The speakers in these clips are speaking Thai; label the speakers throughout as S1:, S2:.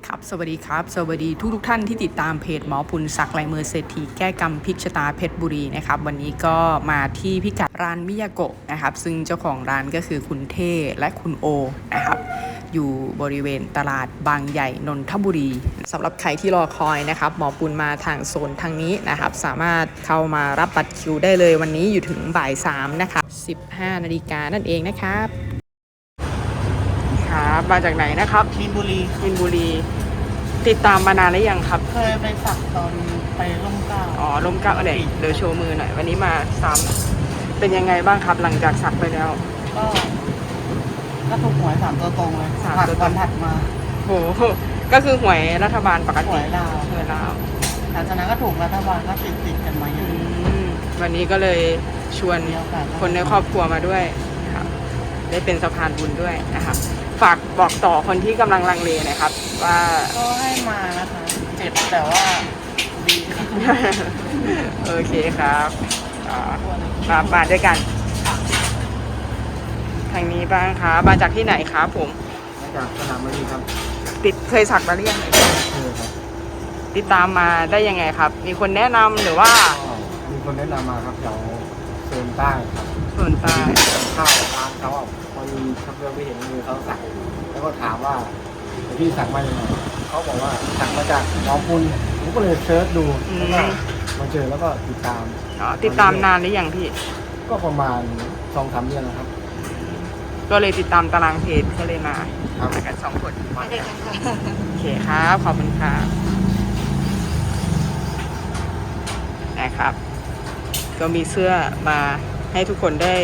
S1: ครับสวัสดีครับสวัสดีทุกท่านที่ติดตามเพจหมอปุณศักดิ์ลายมือเศรษฐีแก้กรรมพลิกชะตาเพชรบุรีนะครับวันนี้ก็มาที่พิกัดร้านมิยาโกะนะครับซึ่งเจ้าของร้านก็คือคุณเท่และคุณโอนะครับอยู่บริเวณตลาดบางใหญ่นนทบุรีสำหรับใครที่รอคอยนะครับหมอปุณมาทางโซนทางนี้นะครับสามารถเข้ามารับบัตรคิวได้เลยวันนี้อยู่ถึงบ่าย3นะครับ15 นาฬิกานั่นเองนะครับครับมาจากไหนนะครับ
S2: มีนบุรี
S1: มินบุรีติดตามมานานหรือยังครับ
S2: เคยไปสักตอนไปร่มเกล้า
S1: อ๋อลมเก้าอะไรเดี๋ยวโชว์มือหน่อยวันนี้มาซ้ำเป็นยังไงบ้างครับหลังจากสักไปแล้ว
S2: ก็ถูกหวย3 ตัวตรงเลย
S1: 3 ตัวตรง
S2: วันถัดมา
S1: โหก็คือหวยรัฐบาลปกติ
S2: หวยลาวหลังจากนั้นก็ถูกรัฐบาลก็ติดกันมาอยู่
S1: วันนี้ก็เลยชวนคนในครอบครัวมาด้วยครับได้เป็นสะพานบุญด้วยนะครับฝากบอกต่อคนที่กำลังลังเลนะครับว่า
S2: ก็ให้มานะคะเจ็บแต่ว่าดี
S1: โอเคครับมาด้วยกันทางนี้บ้างครับมาจากที่ไหนครับผม
S3: มาจากสนามบินครับ
S1: เคยสักมาหรือยัง
S3: เคยครับ
S1: ติดตามมาได้ยังไงครับมีคนแนะนำหรือว่า
S3: มีคนแนะนำมาครับแถวโซนใต้ครับ
S1: โซนใต้
S3: เข้าร้านเขาพอดีขับเรือไปเห็นมือเขาสักแล้วก็ถามว่าพี่สักมาอย่างไรเขาบอกว่าสักมาจากหมอปุณผมก็เลยเซิร์ชดูแล้วก็มาเจอแล้วก็ติดตาม
S1: ติดตามนานหรือยังพี่
S3: ก็ประมาณ2-3 เดือนนะครับ
S1: ก็เลยติดตามตารางเพจก็เลยมากัน2 คนโอเคครับขอบคุณครับนะครับก็มีเสื้อมาให้ทุกคนได้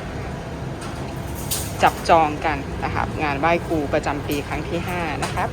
S1: จับจองกันนะครับงานไหว้ครูประจำปีครั้งที่5นะครับ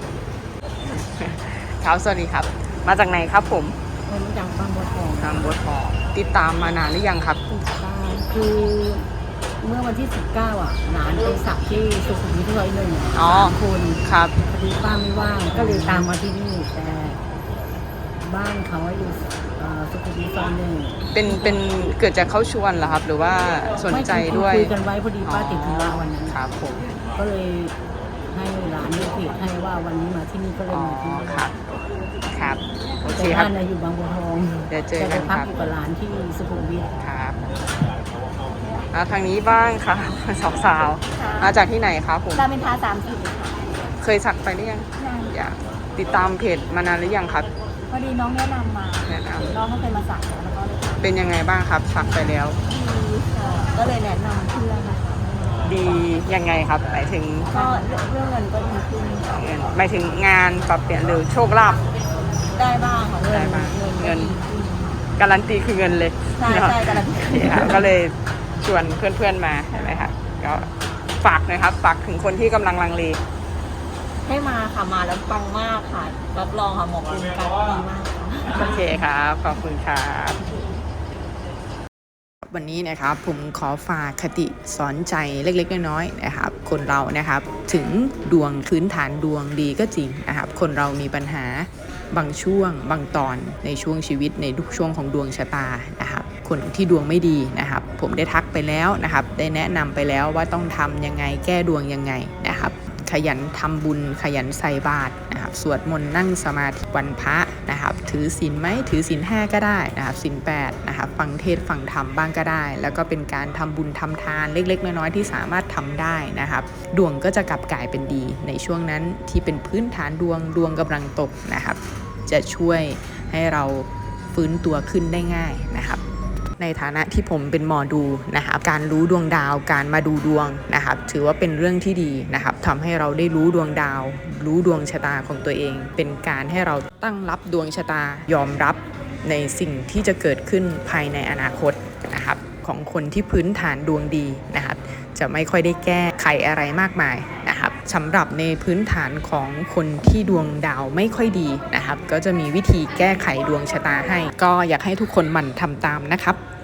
S1: ครับสวัสดีครับมาจากไหนครับผม
S2: มาจากบางบัวทอง
S1: ติดตามมานานหรือยังครับ
S2: ติดตามคือเมื่อวันที่19หลานไปสักที่สุขุมวิท1คน
S1: ครับ
S2: พอดีป้าไม่ว่างก็เลยตามมาที่นี่แต่บ้านเขาอยู่สุขุมวิท1
S1: เป็นเกิดจากเขาชวนเหรอครับหรือว่าสนใจด้วย
S2: คุยกันไว้พอดีป้าติดธุระวันนั้น
S1: ครับผม
S2: ก็เลยให้หลานดูเพจให้ว่าวันนี้มาที่นี่ก็เลยมาที่นี่
S1: ครับโอเค
S2: ค
S1: รับ
S2: บ้านอยู่บางบัวทอง
S1: เดี๋ยวเจอกัน
S2: ครับจะไปพักอยู่กับหลานที่สุขุมวิท
S1: ครับทางนี้บ้างค่ะสาวมาจากที่ไหนครับผม
S2: รามอินทรา30
S1: เคยสักไปหรือยังอยากติดตามเพจมานานหรือยังครับ
S2: พอดีน้องแนะนำมาน้องเขาเคยมาสักแล้วก็
S1: เป็นยังไงบ้างครับสักไปแล้ว
S2: ดีค่ะก็เลยแนะนำเพื่อน
S1: ดียังไงครับหมายถึง
S2: ก็เรื่องเงินก็ดีขึ้น
S1: หมายถึงงานปรับเปลี่ยนหรือโชคลาภ
S2: ได้บ้างค่ะ
S1: ได้บ้างเงินการันตีคือเงินเลย
S2: ใช่การันตี
S1: ก็เลยชวนเพื่อนๆมาใช่ไหมครับก็ฝากหน่อยครับฝากถึงคนที่กำลังลังเล
S2: ให้มาค่ะมาแล้วปังมากค่ะรับรองค่ะหมอคุณการดีมาก
S1: โอเคครับขอบคุณครับวันนี้นะครับผมขอฝากคติสอนใจเล็กๆน้อยๆนะครับคนเรานะครับถึงดวงพื้นฐานดวงดีก็จริงนะครับคนเรามีปัญหาบางช่วงบางตอนในช่วงชีวิตในทุกช่วงของดวงชะตานะครับคนที่ดวงไม่ดีนะครับผมได้ทักไปแล้วนะครับได้แนะนำไปแล้วว่าต้องทำยังไงแก้ดวงยังไงนะครับขยันทำบุญขยันใส่บาตรนะครับสวดมนต์นั่งสมาธิวันพระนะครับถือศีลไหมถือศีล5ก็ได้นะครับศีล8นะครับฟังเทศน์ฟังธรรมบ้างก็ได้แล้วก็เป็นการทำบุญทำทานเล็กๆน้อยๆที่สามารถทำได้นะครับดวงก็จะกลับกลายเป็นดีในช่วงนั้นที่เป็นพื้นฐานดวงกำลังตกนะครับจะช่วยให้เราฟื้นตัวขึ้นได้ง่ายนะครับในฐานะที่ผมเป็นหมอดูนะครับการรู้ดวงดาวการมาดูดวงนะครับถือว่าเป็นเรื่องที่ดีนะครับทำให้เราได้รู้ดวงดาวรู้ดวงชะตาของตัวเองเป็นการให้เราตั้งรับดวงชะตายอมรับในสิ่งที่จะเกิดขึ้นภายในอนาคตนะครับของคนที่พื้นฐานดวงดีนะครับจะไม่ค่อยได้แก้ไขอะไรมากมายนะครับสำหรับในพื้นฐานของคนที่ดวงดาวไม่ค่อยดีนะครับก็จะมีวิธีแก้ไขดวงชะตาให้ก็อยากให้ทุกคนหมั่นทำตามนะครับ